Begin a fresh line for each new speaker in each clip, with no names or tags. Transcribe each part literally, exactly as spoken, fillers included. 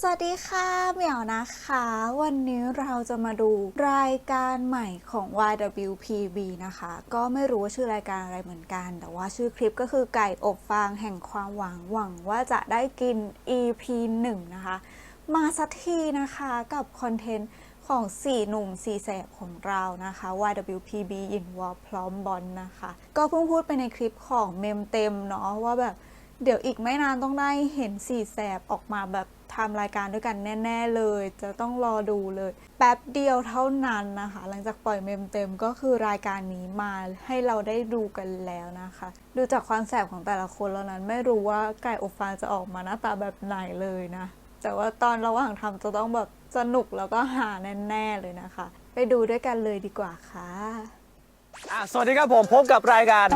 สวัสดีค่ะเหมียวนะคะวันนี้เราจะมาดูรายการใหม่ของ วาย ดับเบิลยู พี บี นะคะก็ไม่รู้ว่าชื่อรายการอะไรเหมือนกันแต่ว่าชื่อคลิปก็คือไก่อบฟางแห่งความหวังหวังว่าจะได้กิน อี พี หนึ่งนะคะมาสักทีนะคะกับคอนเทนต์ของสี่หนุ่มสี่แสบของเรานะคะ วาย ดับเบิลยู พี บี ยินวอลพร้อมบอลนะคะก็เพิ่งพูดไปในคลิปของเมมเต็มเนาะว่าแบบเดี๋ยวอีกไม่นานต้องได้เห็นสี่แสบออกมาแบบทำรายการด้วยกันแน่ๆเลยจะต้องรอดูเลยแป๊บเดียวเท่านั้นนะคะหลังจากปล่อยเมมเต็มก็คือรายการนี้มาให้เราได้ดูกันแล้วนะคะดูจากความแสบของแต่ละคนแล้วนั้นไม่รู้ว่าไก่อบฟางจะออกมาหน้าตาแบบไหนเลยนะแต่ว่าตอนระหว่างทำจะต้องแบบสนุกแล้วก็หาแน่ๆเลยนะคะไปดูด้วยกันเลยดีกว่าค่ะ
อ่ะสวัสดีครับผมพบกับรายการ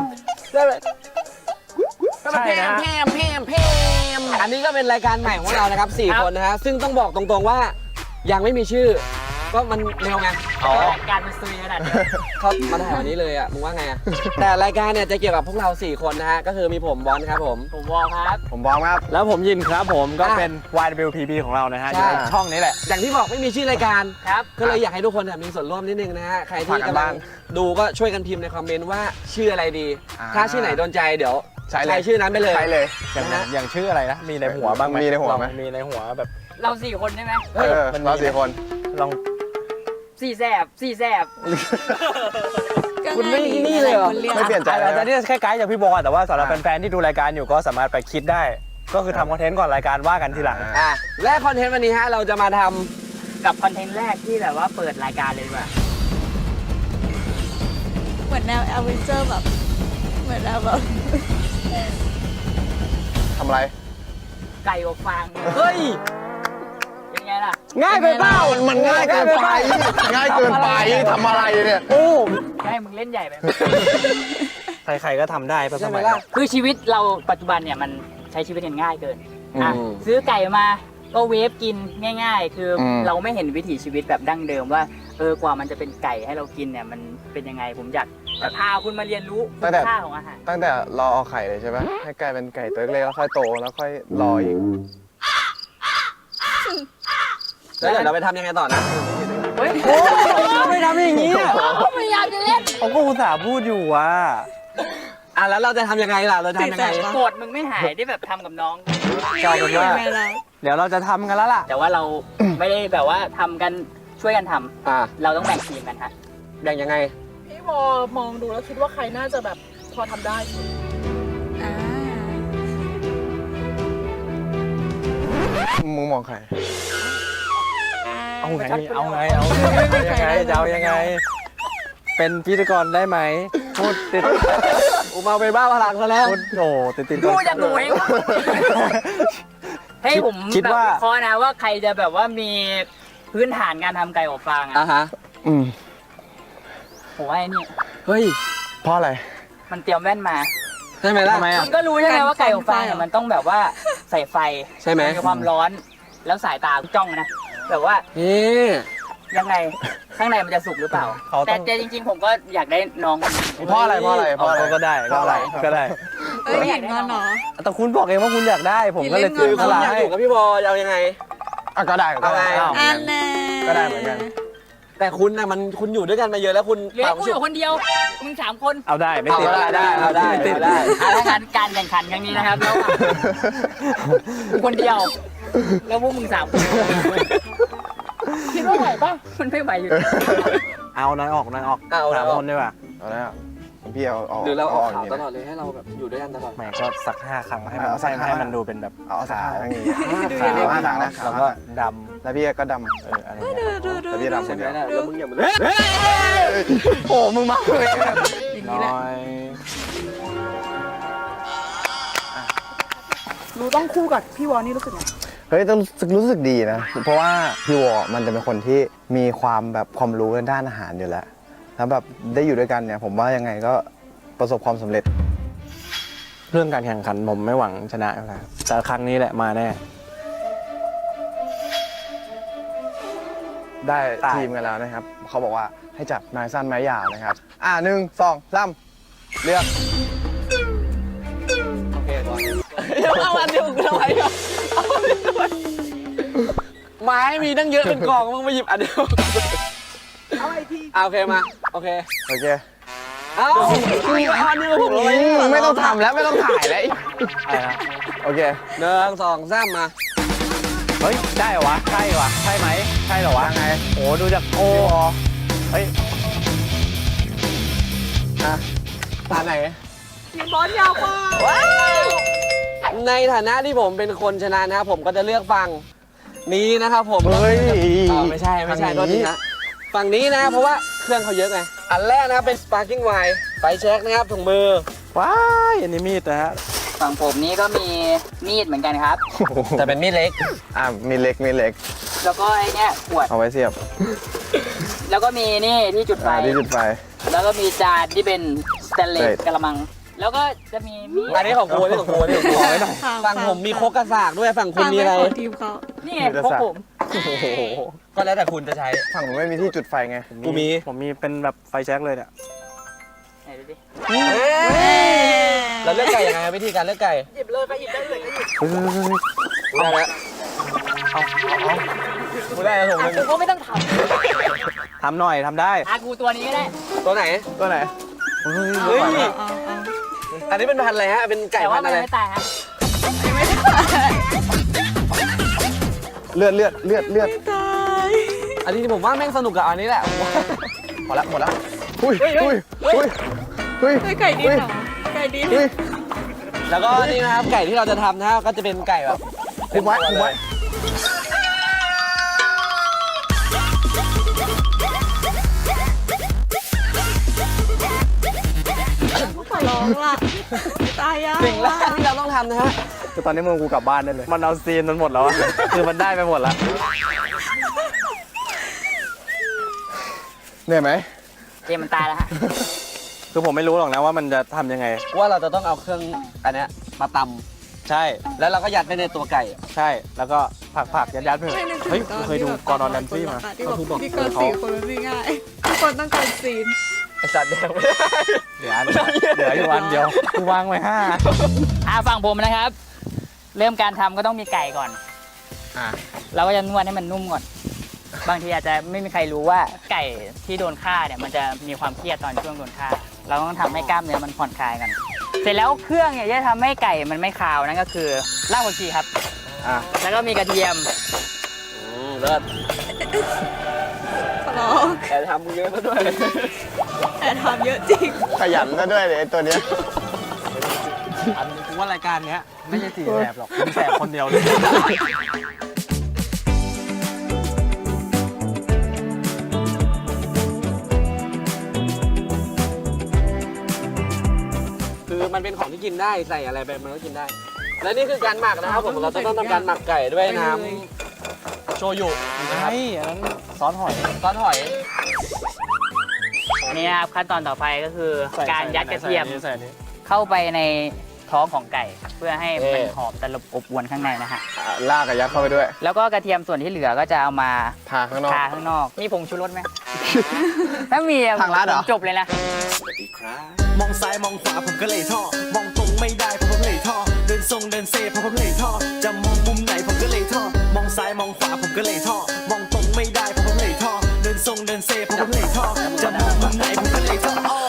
ใช่นะ
แพมแพมแพมอันนี้ก็เป็นรายการใหม่ของเรานะครับสี่คนนะฮะซึ่งต้องบอกตรงๆว่ายังไม่มีชื่อก็มันเร็วไงอ๋อการมันซุยขนาดนี้เขามาถ่ายวันนี้เลยอ่ะมึงว่าไงอ่ะแต่รายการเนี่ยจะเกี่ยวกับพวกเราสี่คนนะฮะก็คือมีผมบอลครับผมผมวอลครับ
ผมบอมครับแล้วผมยินครับผมก็เป็น วาย ดับเบิลยู พี บี ของเรานะฮะอยู่ในช่องนี้แหละ
อย่างที่บอกไม่มีชื่อรายการครับก็เลยอยากให้ทุกคนมีส่วนร่วมนิดนึงนะฮะใครที่กำลังดูก็ช่วยกันพิมพ์ในคอมเมนต์ว่าชื่ออะไรดีถ้าชื่อไหนโดนใจเดี๋ยวใช้ชื่อนั้นไปเลย
ใช่เลยอย่างอย่างชื่ออะไรนะมีในหัวบ้างไหมมีในหัวไหมมีในหัวแบบ
เราสี่คนใช่ไหม
เออเราสี่คนลอง
สี่แสบสี่แสบ
คุณไม่นี่เลยเหรอ
ไม่เปลี่ยนใจแต่นี่แค่ไกด์จากพี่บอลแต่ว่าสำหรับแฟนๆที่ดูรายการอยู่ก็สามารถไปคิดได้ก็คือทำคอนเทนต์ก่อนรายการว่ากันทีหลัง
อ่ะและคอนเทนต์วันนี้ฮะเราจะมาทำ
กับคอนเทนต์แรกที่แบบว่าเปิดรายการเลยดีกว่า
เหมือนแนวแอดเวนเจอร์แบบเหมือนแนวแบบ
ทำอะไร
ไก่อบฟาง
เฮ้ย
เป็นไงล่ะ
ง่ายไปเปล่า
มันง่ายเกินไปง่ายเกินไปทำอะไรเนี่ย
โอ้
ให้มึงเล่นใหญ่ไป
ใครๆก็ทำได้ป่ะสมัย
คือชีวิตเราปัจจุบันเนี่ยมันใช้ชีวิตง่ายเกินอ่ะซื้อไก่มาก็เวฟกินง่ายๆคือเราไม่เห็นวิถีชีวิตแบบดั้งเดิมว่าเออกว่ามันจะเป็นไก่ให้เรากินเนี่ยมันเป็นยังไงผมอยากพาคุณมาเรียนรู้คุณค่าของอาหาร
ตั้งแต่รอเอาไข่เลยใช่ไหมให้ไก่เป็นไก่ตัวเล็กแล้วค่อยโตแล้วค่อยรออีก
แล้วเดี๋ยวเราไปทำยังไงต่อนะ
เฮ้ย
ไม่ทำอย่างนี้
พยายามจะเล่น
เขาก็อุตส่าห์พูดอยู่ว่า
อ่ะแล้วเราจะทำยังไงล่ะเราจะทำยังไง
โกรธมึงไม่หายได้แบบทำกับน้อง
กลายเป็นว่าเดี๋ยวเราจะทำกันแล้วล่ะ
แต่ว่าเราไม่ได้แบบว่าทำกันช่วยกันทำอ่าเราต้องแบ่งทีมกันฮะ
แบ่งยังไง
พี่วอมองดูแล้วคิดว่าใครน่าจะแบบพอทำได้
มึงมองใครเอาไงเอาไงเอายังไงจะเอายังไงเป็นพิธีกรได้ไหมพูดติด
อุมาเป็นบ้าพลังซะแล้ว
พูดโอ้ติดติด
พูดจะหนุ่ยให้ผมคิดว่าพอนะว่าใครจะแบบว่ามีพื้นฐานการทำไก่อบฟางอ่ะ
ฮะ
อืม
ผมว่าไอ้นี่
เฮ้ย
เพราะอะไร
มันเตรียมแว่นมา
ใช่ไหมล่ะ
มันก็รู้ใช่ไหมว่าไก่อบฟางเนี่ยมันต้องแบบว่าใส่ไฟ
ใช่ไหม
มีความร้อนแล้วสายตาจ้องนะแบบว่า
นี่
ยังไงข้างในมันจะสุกหรือเปล่าแต่แต่จริงๆผมก็อยากได้น้อง
เพราะอะไรเพราะอะไรเพราะอะไรก็ได้ก็อะไรก็ได้
ไม่อยากได้น้อง
แต่คุณบอกเองว่าคุณอยากได้ผมก็เลยซื้อ
พลังให้อยู่กับพี่บอลเอายังไง
อ่ะก็ได้ก็ได้ก็ได้เหมือนกัน
แต่คุณนะมันคุณอยู่ด้วยกันมาเยอะแล้วคุณ
เหลือกูอยู่คนเดียวมึงสามคน
เอาได้ไม่ติด
ได้ได้เอาได้
ติด
ได้
แล้วการการแข่งขันครั้งนี้นะครับแล้วคนเดียวแล้วพวกมึงสามคนคิดว่าไหวป่ะมันไม่ไหวอยู่
เอาน้อยออกน้อยออกสามคนดีกว่าเอาแล้วพี่เอาออก
หรือเราออกข่าวตลอดเลยให้เราแบบอยู่ด้วยกันตลอด
แหมก็สักห้าครั้งให้มันให้มันดูเป็นแบบเอาสักห้าครั้งขาวห้าครั้งนะแล้วก็ดำแล้วพี่ก็ดำเอออะไรเงี้ยแล้วพี่ดำคนเดียว
แล้วมึงอย่ามา
โอ้มึงมาเลย
อย่างนี้แหละ
หนูต้องคู่กับพี่วอนี่รู้สึกไง
เฮ้ยต้องรู้สึกดีนะเพราะว่าพี่วอมันจะเป็นคนที่มีความแบบความรู้ในด้านอาหารอยู่แล้วแล้วแบบได้อยู่ด้วยกันเนี่ยผมว่ายังไงก็ประสบความสำเร็จเรื่องการแข่งขันผมไม่หวังชนะแล้วแต่ครั้งนี้แหละมาแน่ได้ทีมกันแล้วนะครับเขาบอกว่าให้จับนายสั้นไม้ยาวนะครับอ่าหนึ่งสองสามเลือก
โอเคก่อน
เอาอันเดียวกันทำไมอ่ะ
ไม้มีตั้งเยอะเป็นกองมึงมาหยิบอันเดียวเอาไอทีโอเคมาโอเค
โอเค
เอ้าคืออันนี้ผมเลย
ไม่ต้องทำแล้วไม่ต้องถ่ายแล้วโอเค
หนึ่งสองสามมา
เฮ้ย ได้เหรอวะ ใช่วะ ใช่ไหม ใช่เหรอวะ
ยังไง
โอ้ดูจากโอ้เฮ้ย
อ่ะตาไหน
ในฐานะที่ผมเป็นคนชนะนะครับผมก็จะเลือกฝั่งนี้นะครับผม
เฮ้ย
อ่าไม่ใช่ไม่ใช่
ฝั่
โทษ
ง
ที
นี้
นะฝั่งนี้นะเพราะว่าเครื่องเขาเยอะไงอันแรกนะครับเป็น sparking wine ไฟแช็กนะครับถุงมือ
ว้ายอันนี้มีดนะฮะ
ฝั่งผมนี้ก็มีมีดเหมือนกันครับ
แต่เป็นมีดเล็ก
อ่ะมีเล็กมีเล็ก
แล้วก็ไอ้เนี้ยขวด
เอาไว้เสียบ
แล้วก็มีนี่ที่จุดไฟ
อ่าที่จุดไฟ
แล้วก็มีจานที่เป็นสเตนเลส
Straight
กระมัง แล้วก็จะมีมีด
อันนี้ของกูอันนี้ของกูอันนี้ของกูฝั่งผมมีโคกกระสากด้วยฝั่งคุณมีอะไร
ทีมเขา
นี่ไง
มีแต่
พวก
สัตว์
ผม
โอ้โหก็แล้วแต่คุณจะใช้
ฝั่งผมไม่มีที่จุดไฟไง
กูมี
ผมมีเป็นแบบไฟแช็กเลยเนี่ย
ไหนดูดิ
เราเลือกไก่ยังไงวิธีการเลือกไก่
หยิบเลยไปหยิบได้เลยก็หยิบ
เฮ้ยเฮ้ยเฮ้ย
ได้แล้วเอาเอาเอากูได้แล้วผม
อ่ะกูก็ไม่ต้องท
ทำหน่อยทำได้
ำอ่ะกูตัวนี้ก็ได้
ตัวไหน
ตัวไหน
เฮ้ยอันนี้เป็นพันธุ์อะไรฮะเป็นไก่
แต่
พั
ว่าน
ธุ์
มัน
อะไร
ไม่ตายฮะ
เลือดเลือดเลือดเลือด
อันนี้ผมว่าแม่งสนุกกับอันนี้แหละ
หมดละหมดละอุ้ยอุ้ยอุ้ยอุ้ย
ไก่ดิบเหรอไก่ดิบ
อุ้ย
แล้วก็นี่นะครับไก่ที่เราจะทำนะครับก็จะเป็นไก่แบบ
คุมไว้คุมไว้
ขอร้องล่ะตายยาก
สิ่งแรกที่เราต้องทำนะฮะ
คือตอนนี้มึงกูกลับบ้านได้เลย มันเอาซีนมันหมดแล้วอะ คือมันได้ไปหมดแล้ว
เหนื่อยไหม
เกมมันตายแล้วฮะ
คือผมไม่รู้หรอกนะว่ามันจะทำยังไง
ว่าเราจะต้องเอาเครื่องอันเนี้ยมาต
ใช่
ำแล้วเราก็ยัดไปในตัวไก่
ใช่ แล้วก็ผักผักยัดยัดๆไปเถอะเฮ้ยกูเคยดูกอร์ดอนแรมซี่มา
ที่บอกที่เกินสี่คนมันไม่ง่ายทุกคนต้องการซีน
ไอสัตว์แดงไม่ได้
เหลืออันเหลืออยู่อันเดียว กูวางไว้ห้า
อ่ะฝั่งผมนะครับ เริ่มการทำก็ต้องมีไก่ก่อน
อ่ะ
เราก็จะนวดให้มันนุ่มก่อน บางทีอาจจะไม่มีใครรู้ว่าไก่ที่โดนฆ่าเนี่ยมันจะมีความเครียดตอนช่วงโดนฆ่า เราต้องทำให้กล้ามเนื้อมันผ่อนคลายกัน เสร็จแล้วเครื่องเนี่ยจะทำให้ไก่มันไม่คาวนั่นก็คือรากผักชีครับ
อ่ะ
แล้วก็มีกระเทียม
อืมเลิศ
ขอร้อง
แต่ทำเยอะซะด้วย
แต่ทำเยอะจริง
ขยันซะด้วยเลยไอ้ตัวเนี้ย
อันนี้กูว่ารายการเนี้ยไม่ใช่สี่แสบหรอกมึงแสบคนเดียวเลย
คือมันเป็นของที่กินได้ใส่อะไรไปมันก็กินได้ และนี่คือการหมักนะครับผมเราจะต้องทำการหมักไก่ด้วยน้ำโชยุนะครับ
ใช่อันนั้นซอสหอย
ซอสหอย
อันนี้นะครับขั้นตอนต่อไปก็คือ
ใส่
การยัดกระเทียม
ใส่อันนี้ใส่อันนี้
เข้าไปในท้องของไก่ เพื่อให้
เอ่
มัน
อ
หอมตลบอบอวนข้างในนะฮะ
อ่ะลากกับยัดเข้าไปด้วย
แล้วก็กระเทียมส่วนที่เหลือก็จะเอามา
ทาข้างนอก
ทาข้างนอก มีผงชูรสไหม ถ้ามีอะ
ทางร้านเหรอ
ผมจบเลยนะ
มองซ้ายมองขวาผมก็เลยท่อ มองตรงไม่ได้ผมก็เลยท่อ เดินทรงเดินเซผมก็เลยท่อ จะมองมุมไหนผมก็เลยท่อ มองซ้ายมองขวาผมก็เลยท่อ มองตรงไม่ได้ผมก็เลยท่อ เดินทรงเดินเซผมก็เลยท่อ จะมองมุมไหนผมก็เลยท่ออ้อ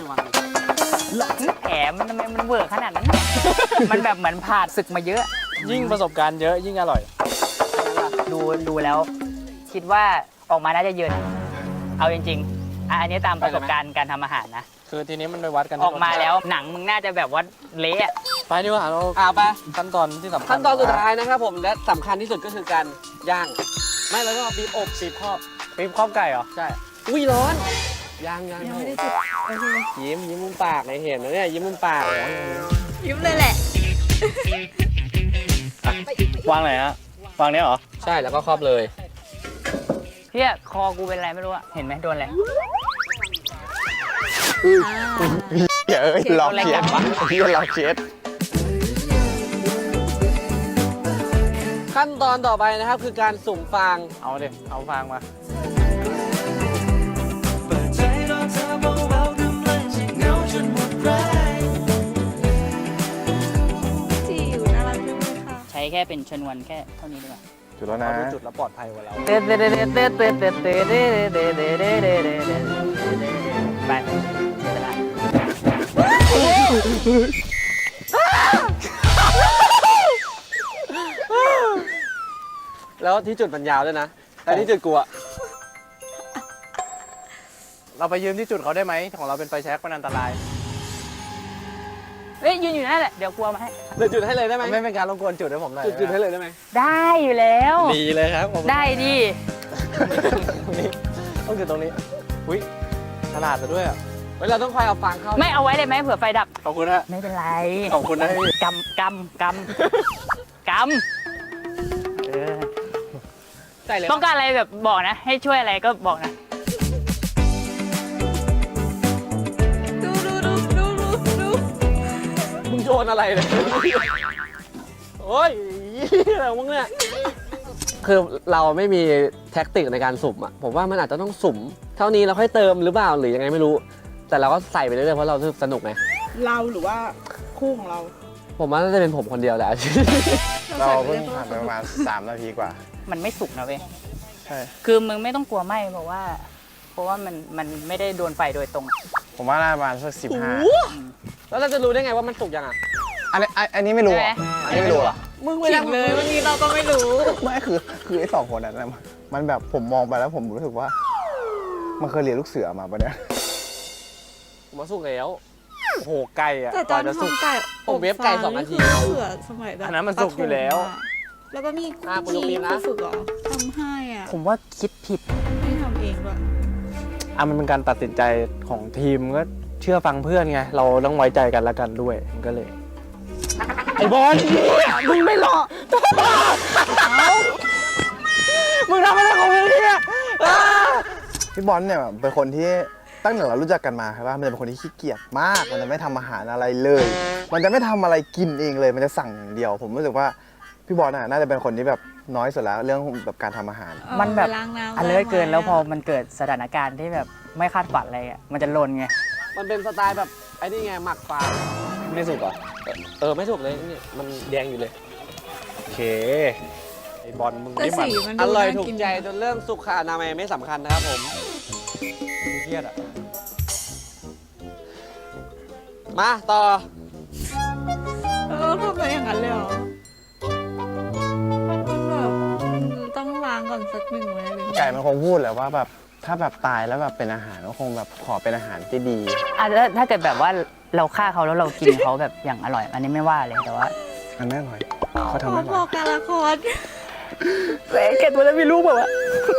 แผลมันทำไมมันเวิร์กขนาดนั้น มันแบบเหมือนผ่านศึกมาเยอะ
ยิ่งประสบการณ์เยอะยิ่งอร่อย
ดูดูแล้ว คิดว่าออกมาน่าจะเยิน เอาจริงๆอ่ะอันนี้ตามประสบการณ์การทำอาหารนะ
คือทีนี้มันไปวัดกัน
ออกมาแล้วหนังมึงน่าจะแบบว่าเละอะ
ไปดีกว่าเรา
เอาไป
ขั้นตอนที่สำคัญ
ขั้นตอนสุดท้ายนะครับผมและสำคัญที่สุดก็คือการย่าง ไม่แล้วก็บีบอบบีบครอบ
ปี๊บครอบไก่เหรอ
ใช่ อุ้ยร้อนย่างย่าง
ยังไม่ได้จุดโอเค
ยิ้มยิ้มมุมปากเลยเห็นนะเนี่ยยิ้มมุมปากเลย
ยิ้มเลยแหละ
วางไหนฮะ วางเนี้ยเหรอ
ใช่แล้วก็ครอบเลย
เพี่ยคอกูเป็นอะไรไม่รู้อะเห็นไหมโดนอะไร
เดี๋ยวเอ้ยหลอกเชียดพี่หลอกเชียด
ขั้นตอนต่อไปนะครับคือการสุ่มฟาง
เอาดิ เอาฟางมา
เปิดใจรอเธอเบาๆกำลังจะเหงาจนหมดแรง
จิ๋วน่ารักจังเลยค่ะ
ใช้แค่เป็นชนวนแค่เท่านี้ดีกว่า
จุดแล้วนะ
เราดูจุดแล้วปลอดภัยกว่าเรา
เต้เต้เต้เต้เต้เต้เต้เต้เต้เต้เต้เต้เต้เต้เต้เต้ไปเวลา
แล้วที่จุดมันยาวด้วยนะแต่ที่จุดกูอะ
เราไปยืมที่จุดเขาได้ไหมของเราเป็นไฟแช็กมันอันตราย
เฮ้ยยืนอยู่นั่นแหละเดี๋ยวกลัวมาให้
เดี๋ยวจุดให้เลยได้ไหม
ไม่เป็นการรบกวนจุดให้ผมหน่อย
จุดจุดให้เลยได้ไหม
ได้อยู่แล้ว
ดีเลยครับผม
ได้ดิ
ตรงนี้ต้องจุดตรงนี้อุ้ยฉลาดซะด้วยอ่ะ
เฮ้ยเราต้องคอยเอาฟางเข้า
ไม่เอาไว้ได้ไหมเผื่อไฟดับ
ขอบคุณนะ
ไม่เป็นไร
ขอบคุณนะพี่
กำกำกำกำเออ
ใส่เลย
ต้องการอะไรแบบบอกนะ ให้ช่วยอะไรก็บอกนะ
ดูดูดูดูดูดู
มึงโยนอะไรเลยโอ้ยอะไรของมึงเนี่ยคือเราไม่มีแท็กติกในการสุ่มอ่ะผมว่ามันอาจจะต้องสุ่มเท่านี้เราค่อยเติมหรือเปล่าหรือยังไงไม่รู้ แต่เราก็ใส่ไปเรื่อยๆเพราะเราสนุกไง
เราหรือว่าคู่ของเรา
ผมว่าน่าจะเป็นผมคนเดียวแหละ
เราเพิ่งผ่านไปประมาณสามนาทีกว่า
มันไม่สุกนะเว้ย
ใช่
คือมึงไม่ต้องกลัวไหมเพราะว่า เพราะว่ามันมันไม่ได้โดนไฟโดยตรง
ผมว่าน่าประมาณสักสิบห้า
แล้วเราจะรู้ได้ไงว่ามันสุกยังอ่ะ
อันนี้อันนี้ไม่รู้
ใช่
อ่ะ
ไหม
อันนี้ไม่รู้อ่ะ
มึงไม่
จริ
ได้
งเลยวันนี้เราก็ไม่รู้
ไม่คือคือไอ้สองคนนั้นน่ะมันแบบผมมองไปแล้วผมรู้สึกว่า มันเคยเรียนลูกเสือมาปะเนี่ย
ผมว่าสุกแล้ว
โอ้โหไก่อ่ะ
แต่ต
ก
อน
ว่าจะสุก
ทำไก่
ผมเวฟไก่สองนาที
คือเสือสมัยแบบ
อันนั้นมันสุกอยู่แล้ว
ประถมอะแล้วก็มี
อ่ะคุณยก
มี
นิ้วนะ
ครูฝึกเหรอทำให้อ่ะ
ผมว่าคิดผิด
ไม่ทำเองด้วย
อ่ะมันเป็นการตัดสินใจของทีมก็เชื่อฟังเพื่อนไง เราต้องไว้ใจกันและกันด้วยมันก็เลย ไอ้บอลมึงไม่หลอกมึงทำอะไรของมึงเนี่ย
พี่บอลเนี่ยเป็นคนที่ตั้งแต่เรารู้จักกันมาครับว่ามันจะเป็นคนที่ขี้เกียจมาก มันจะไม่ทำอาหารอะไรเลย มันจะไม่ทำอะไรกินเองเลย มันจะสั่งอย่างเดียว ผมรู้สึกว่าพี่บอลน่ะน่าจะเป็นคนที่แบบน้อยสุดแล้วเรื่องแบบการทำอาหาร
มันแบบ
ล้างน้ำ
อันเลิศเกิน
ล้างไม้
แล้วพอมันเกิดสถานการณ์ที่แบบไม่คาดฝันอะไรอ่ะมันจะลนไง
มันเป็นสไตล์แบบไอ้นี่ไงหมักฟาง
ไม่สุกเหรอ
เออไม่สุกเลยนี่มันแดงอยู่เลย
โอเค ไอ้บอลมึง
แต่
นี่มัน
สีมัน
อ
ดู
ร่อย
น่า
ถูก
น
ใจจนเรื่องสุขอนามัยไม่สำคัญนะครับผม
เครียดอ่ะ
มาต่อ
เออทำไปอย่างนั้นเลยเหรอมันแบบต้องล้างก่อนสักหนึ่งเลยเลย
ไก่มันคงพูดแหละว่าแบบถ้าแบบตายแล้วแบบเป็นอาหารก็คงแบบขอเป็นอาหารที่ดี
อ่ะแล้วถ้าเกิดแบบว่าเราฆ่าเขาแล้วเรากินเขาแบบอย่างอร่อย อันนี้ไม่ว่าเลยแต่ว่า
มันไม่อร่อยเขาทำ
พ
ไม่
อ
อ
พ
ร่
อ
อย
การละคร
เกดตัวนั้นมีลูกแบบว่า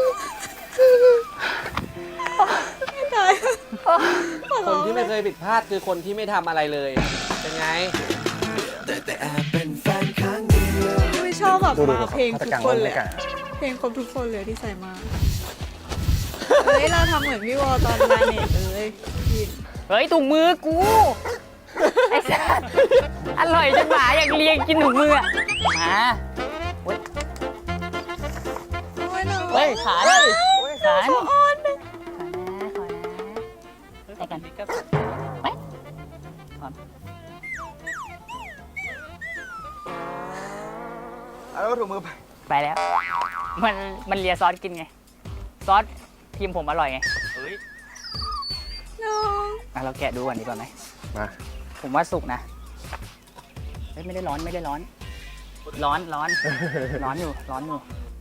ไม่ตาย
คนที่ไม่เคยผิดพลาดคือคนที่ไม่ทำอะไรเลย เป็นไง
ไม่ชอบแบบ
ดูดู
มาเพลง
ฆาต
ทุก
กรรม
คนเลย
ไก่
อะเพลงครบทุกคนเลยที่ใส่มาเฮ้ยเราทำเหมือนพี่วอตอนมาเน็ตเลยกิน
เฮ้ยถุงมือกู ไอ้สัสอร่อยจนหมาอยากเลียงกินถุงมืออะมาเฮ้ย
โอ้ยหนู
เฮ้ยขาเลยขาขอ
อ่อนนะ
นะขอนะแต่กันไปพร้อม
เอาถุงมือไป
ไปแล้ว มันมันเลียซอสกินไง ซอสทีมผมอร่อยไง
น้อง
อ่ะเราแกะดูก่อนดีกว่าไหม
มา
ผมว่าสุกนะเฮ้ยไม่ได้ร้อนไม่ได้ร้อน ร้อนร้อน ร้อนอยู่ร้อนอยู่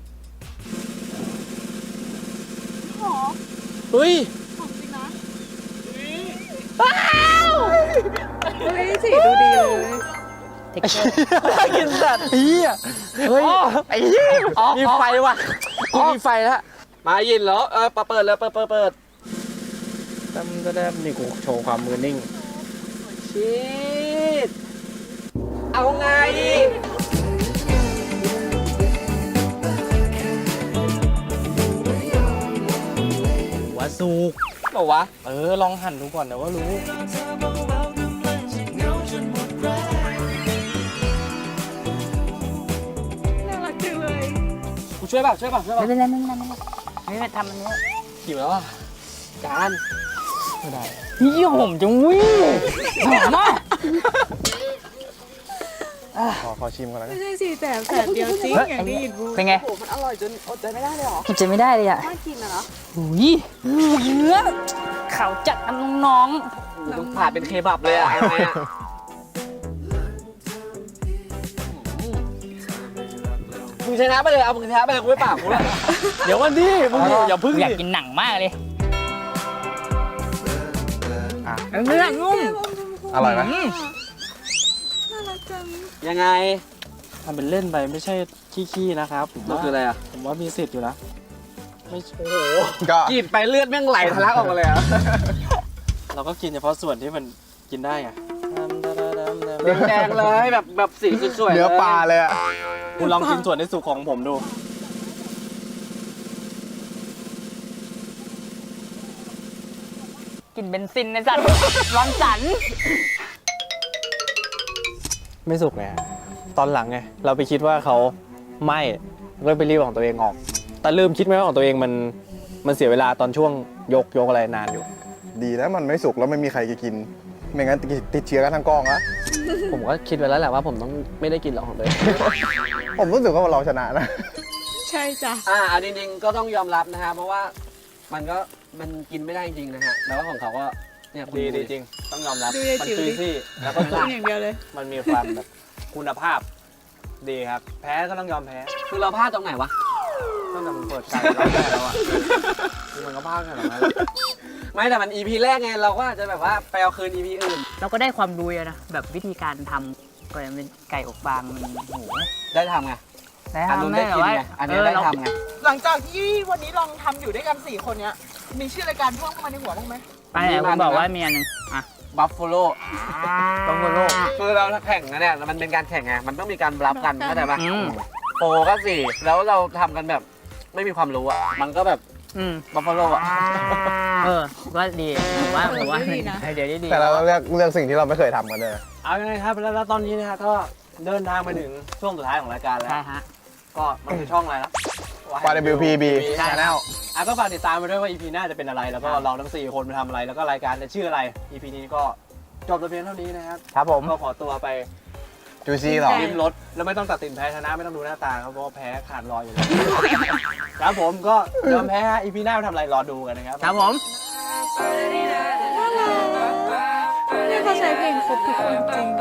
หอม
เฮ้ย
หอมจริงนะว้าวเฮ้ยสีดูดีเลย
เทคเจอร์
กินสัตว์เฮียเฮ้ยไอ้เหี้ยมีไฟว่ะกูมีไฟแล้วมายินเหรอเออเปิดเลยเปิดเปิดเปิด
ตั้มก็ได้นี่กูโชว์ความมือนิ่ง
ชีดเอาไง
ว่าสุก
บอกวะ
เออ ลองหั่นดูก่อนเดี๋ยวว่ารู้
น่ารักจังเลย
กูช่วยเปล่าช่วยเปล่าช่วยเป
ไม่
ล่า
เป็นไรไม่เป็นไรไม่เป็นไรไม่เป็นไรทำอันนี้
หิวแล้วอ่ะจาน
ไม่ได้
ยี่หอมจังวิหอมมาก
ขอขอชิมก่อนแล้วกั
ไม่
น
ใช่สี่แสบแสบเดียวจริงอย่างที่ยินพูด
เป็นไง
โอ้โหมันอร่อยจนอดใจไม่ได้เลยเหรอ
กินจะไม่ได้เลยอ่ะ
น่ากินอะเนาะ
อุ้ยเนื้อขาวจัดนะน้อง
มันผ่านเป็นเคบับเลยอะอะไรอะมึงชนะไปเลย เอามึงชนะไปเลยกูไม่ปากกูแล้ว
เดี๋ยววันนี้มึงอย่าพึ่ง
ๆอยาก
ดิ
กินหนังมากเลย
อ่ะ
เนื้อนุ่ม
อร่อยไหม
น่ารักจัง
ยังไง
ทำเป็นเล่นไปไม่ใช่ขี้ๆนะครับผม
มัน
ว่า
คืออะไรอะ
ผมว่ามีสิทธิ์อยู่นะไม่โอ้โห
ก็
กรีดไปเลือดแม่งไหลทะลักออกมาเลยอะ
เราก็กินเฉพาะส่วนที่มันกินได้ไง
แดงๆเลยแบบแบบสีสวยๆ
เนื้อปลาเลยอ่ะ
คุณลองกินส่วนในสุกของผมดู
กินเบนซินในสัตว์ ร้อนสัน
ไม่สุกไงตอนหลังไงเราไปคิดว่าเขาไม่ก็ไปรีบของตัวเองออก แต่ลืมคิดไหมว่าของตัวเองมันมันเสียเวลาตอนช่วงยกยกอะไรนานอยู่
ดีแล้วมันไม่สุกแล้วไม่มีใครจะกิน ไม่งั้นติดเชื้อกันทั้งกองอะ
ผมก็คิดไว้แล้วแหละว่าผมต้องไม่ได้กินหรอกของตัวเอง
ผมรู้สึกว่าเราชนะนะ
ใช่จ้ะ
อ่าอันจริงๆก็ต้องยอมรับนะฮะเพราะว่ามันก็มันกินไม่ได้จริงๆนะฮะแล้วก็ของเขาก็เนี่ยคุณ
ดี
ดู
ดีจริง ต้องยอมรับ
ดูยาย
มัน
จิ๋ว
จุย
ดิ
ซี่แล้วก็
กินอย่างเดียวเลย
มันมีความแบบคุณภาพ ดีครับ แพ้ก็ต้องยอมแพ้
คือเราพลาดตรงไหนวะ
ตั้งแต่มันเปิดใจแล้วแพ้แล้วอ่ะคือมันก็พลาดขนาดนั้น
ไม่แต่มัน อี พี แรกไงเราก็อาจจะแบบว่าไปเอาคืน อี พี อื่น
เราก็ได้ความรู้อะนะ แบบวิธีการทำก็ยังเป็นไก่อบฟางมันโอ้โห
ได้ทำไง
ได้
อันนู้น
ทำ
ได้
ได้แต่
กิน
ว่า
ไงอันนี้
เออ
ได้
เรา
ทำไง
หลังจากที่วันนี้ลองทำอยู่ด้วยกันสี่คนเนี้ย มีชื่อรายการเพิ่มเข้ามาในหัวบ้างไหม
ไปไหนคุณบอกว่ามีอันหนึงอ่ะ
บัฟฟ a โล
บัฟฟาโล
คือเราแข่งนะเนี่ยมันเป็นการแข่งไงมันต้องมีการบลัฟกันเข้าใจปะ
อืม
โปรก็สี่แล้วเราทำกันแบบไม่มีความรู้อ่ะมันก็แบบ
อืม
บัฟฟ a โลอ่ะ
เออก็ดีผมว่าผมว่า
เออดีนะ
ไอเดียดีดี
แต่เราเลือกเลือกสิ่งที่เราไม่เคยทำกันเลย
เอายังไงครับแล้วแล้วตอนนี้นะฮะก็เดินทางมาถึงช่วงสุดท้ายของรายการแล้ว
ใช่ฮะ
ก็มันคือช่องอะไรนะ
วาย ดับเบิลยู พี บี Channel
อ่ะก็ฝากติดตามไปด้วยว่า อี พี หน้าจะเป็นอะไร แล้วก็เราทั้งสี่คนมาทำอะไร แล้วก็รายการจะชื่ออะไร อี พี นี้ก็จบแต่เพียงเท่านี้นะครับ
ครับผม
ก็ขอตัวไป
จูซี่ต่อ
ริมรถแล้วไม่ต้องตัดสินแพ้ชนะไม่ต้องดูหน้าตาครับเพราะว่าแพ้ขาดลอยอยู่แล้วครับผมก็ยอมแพ้ฮะ อี พี หน้าทำอะไรรอดูกันนะครับ
ครับผม
นี่เขาใช้เพลงครบทุกคนจริง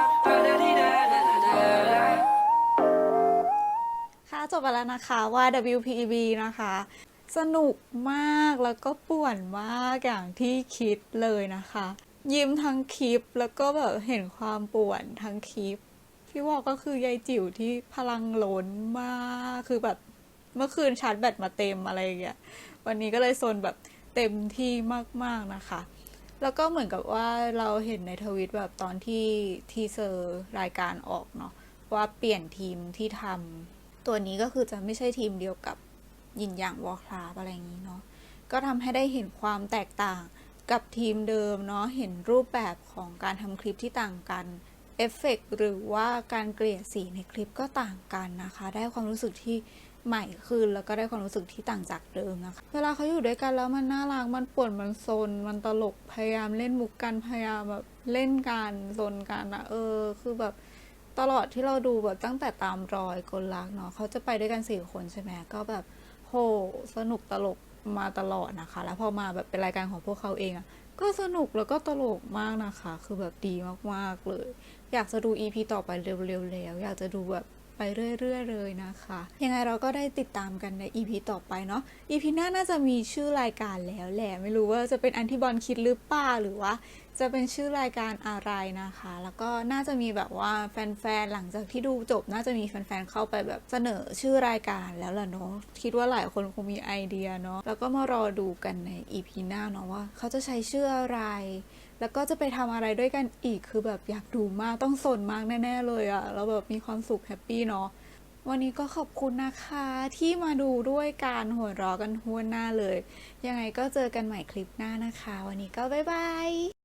ค่ะจบไปแล้วนะคะว่า ดับเบิลยู พี บี นะคะ สนุกมากแล้วก็ป่วนมากอย่างที่คิดเลยนะคะ ยิ้มทั้งคลิปแล้วก็แบบเห็นความป่วนทั้งคลิป พี่วอกก็คือยายจิ๋วที่พลังล้นมากคือแบบเมื่อคืนชาร์จแบตมาเต็มอะไรอย่างเงี้ยวันนี้ก็เลยโซนแบบเต็มที่มากๆนะคะ แล้วก็เหมือนกับว่าเราเห็นในทวิตแบบตอนที่ทีเซอร์รายการออกเนาะว่าเปลี่ยนทีมที่ทำตัวนี้ก็คือจะไม่ใช่ทีมเดียวกับยินหยางวอลคราฟอะไรอย่างนี้เนาะก็ทำให้ได้เห็นความแตกต่างกับทีมเดิมเนาะเห็นรูปแบบของการทำคลิปที่ต่างกันเอฟเฟกต์หรือว่าการเกลี่ยสีในคลิปก็ต่างกันนะคะ ได้ความรู้สึกที่ใหม่ขึ้นแล้วก็ได้ความรู้สึกที่ต่างจากเดิมนะคะเวลาเขาอยู่ด้วยกันแล้วมันน่ารักมันป่วนมันซนมันตลกพยายามเล่นมุกกันพยายามแบบเล่นกันซนกันอะเออคือแบบตลอดที่เราดูแบบตั้งแต่ตามรอยกลลักเนาะเขาจะไปด้วยกันสี่คนใช่ไหมก็แบบโหสนุกตลกมาตลอดนะคะแล้วพอมาแบบเป็นรายการของพวกเขาเองอะก็สนุกแล้วก็ตลกมากนะคะคือแบบดีมากๆเลยอยากจะดู อี พี ต่อไปเร็วๆแล้วอยากจะดูแบบไปเรื่อยๆเลยนะคะยังไงเราก็ได้ติดตามกันใน อี พี ต่อไปเนาะ อี พี หน้าน่าจะมีชื่อรายการแล้วแหละไม่รู้ว่าจะเป็นอันที่บอลคิดหรือเปล่าหรือว่าจะเป็นชื่อรายการอะไรนะคะแล้วก็น่าจะมีแบบว่าแฟนๆหลังจากที่ดูจบน่าจะมีแฟนๆเข้าไปแบบเสนอชื่อรายการแล้วล่ะเนาะคิดว่าหลายคนคงมีไอเดียเนาะแล้วก็มารอดูกันใน อี พี หน้าเนาะว่าเขาจะใช้ชื่ออะไรแล้วก็จะไปทำอะไรด้วยกันอีกคือแบบอยากดูมากต้องสนมากแน่ๆเลยอะแล้วแบบมีความสุขแฮปปี้เนาะวันนี้ก็ขอบคุณนะคะที่มาดูด้วยการหัวเราะกันทั่วหน้าเลยยังไงก็เจอกันใหม่คลิปหน้านะคะวันนี้ก็บ๊ายบาย